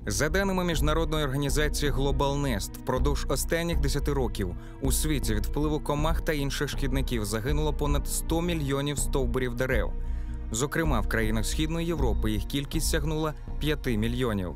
За даними міжнародної організації Global Nest, впродовж останніх 10 років у світі від впливу комах та інших шкідників загинуло понад 100 мільйонів стовбурів дерев. Зокрема, в країнах Східної Європи їх кількість сягнула 5 мільйонів.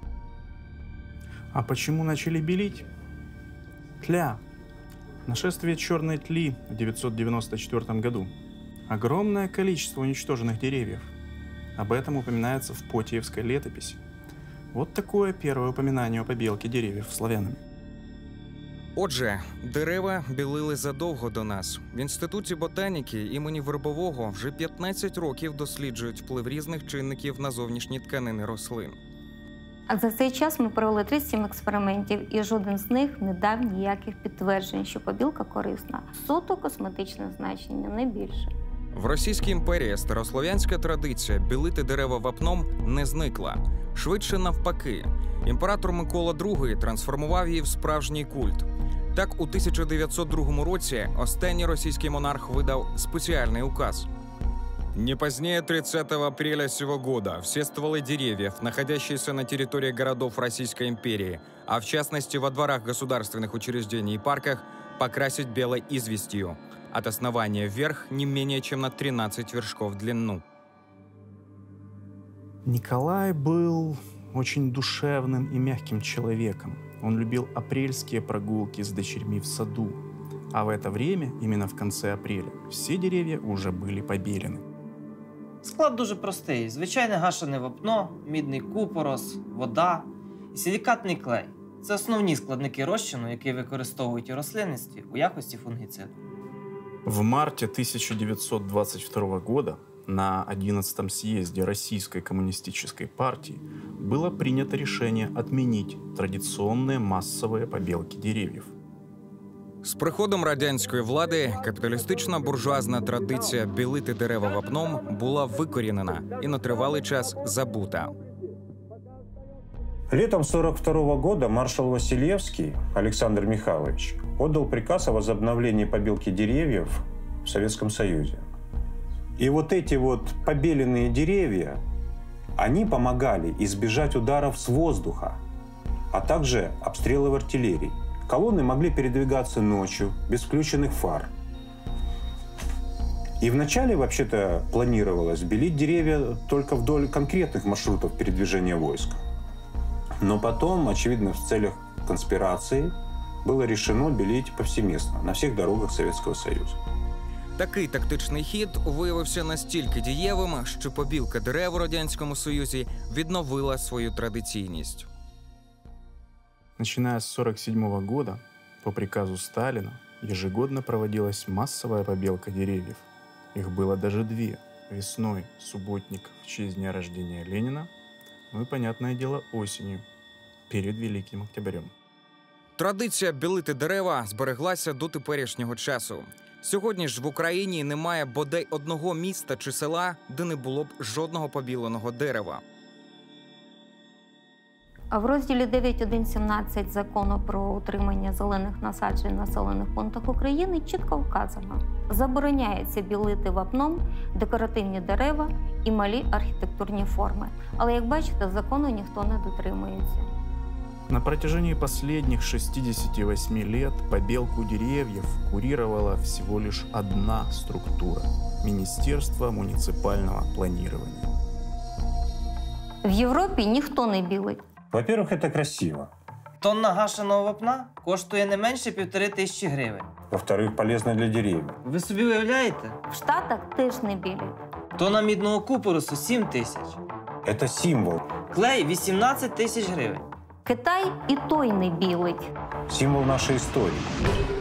А почему начали белить? Тля. Нашествие черной тли в 994 году. Огромное количество уничтоженных деревьев. Об этом упоминается в Потиевской летописи. Вот такое первое упоминание о побелке деревьев славянами. Отже, дерева білили задовго до нас. В Інституті ботаніки імені Вербового вже 15 років досліджують вплив різних чинників на зовнішні тканини рослин. А за цей час ми провели 37 експериментів, і жоден з них не дав ніяких підтверджень, що побілка корисна. Суто косметичне значення, не більше. В Російській імперії старослов'янська традиція білити дерева вапном не зникла. Швидше навпаки. Імператор Микола II трансформував її в справжній культ. Так, у 1902 році останній російський монарх видав спеціальний указ. Не позднее 30 апреля сего года все стволы деревьев, находящиеся на территории городов Российской империи, а в частности во дворах государственных учреждений и парках, покрасить белой известью, от основания вверх не менее чем на 13 вершков в длину. Николай был очень душевным и мягким человеком. Он любил апрельские прогулки с дочерьми в саду. А в это время, именно в конце апреля, все деревья уже были побелены. Склад дуже простий. Звичайне гашене вапно, мідний купорос, вода і силікатний клей. Це основні складники розчину, які використовують у рослинництві у якості фунгіциду. В марте 1922 года на 11-м съезде Российской коммунистической партии было принято решение отменить традиционные массовые побелки деревьев. З приходом радянської влади капіталістична буржуазна традиція білити дерева вапном була викорінена і на тривалий час забута. Летом 1942 года маршал Василевский Александр Михайлович отдал приказ о возобновлении побелки деревьев в Советском Союзе. И вот эти вот побеленные деревья, они помогали избежать ударов с воздуха, а также обстрелов артиллерии. Колонны могли передвигаться ночью, без включенных фар. И вначале, вообще-то, планировалось белить деревья только вдоль конкретных маршрутов передвижения войск. Но потом, очевидно, в целях конспирации, было решено белить повсеместно, на всіх дорогах Советского Союзу. Такий тактичний хід виявився настільки дієвим, що побілка дерев у Радянському Союзі відновила свою традиційність. Начиная с 1947 года, по приказу Сталина, ежегодно проводилась массовая побелка деревьев. Их было даже две. Весной – субботник в честь дня рождения Ленина, ну и, понятное дело, осенью, перед Великим Октябрем. Традиція білити дерева збереглася до теперішнього часу. Сьогодні ж в Україні немає бодай одного міста чи села, де не було б жодного побіленого дерева. А в розділі 9.1.17 Закону про утримання зелених насаджень в населених пунктах України чітко вказано: забороняється білити вапном декоративні дерева і малі архітектурні форми. Але, як бачите, закону ніхто не дотримується. На протяжении последних 68 лет побелку деревьев курировала всего лишь одна структура – Министерство муниципального планирования. В Європі ніхто не білить. Во-первых, это красиво. Тонна гашеного вапна коштує не менше 1500 гривень. Во-вторых, полезно для деревьев. Ви собі уявляєте? В Штатах теж не білять. Тонна мідного купоросу – 7000. Это символ. Клей – 18 000 гривень. Китай і той не білить. Символ нашей истории.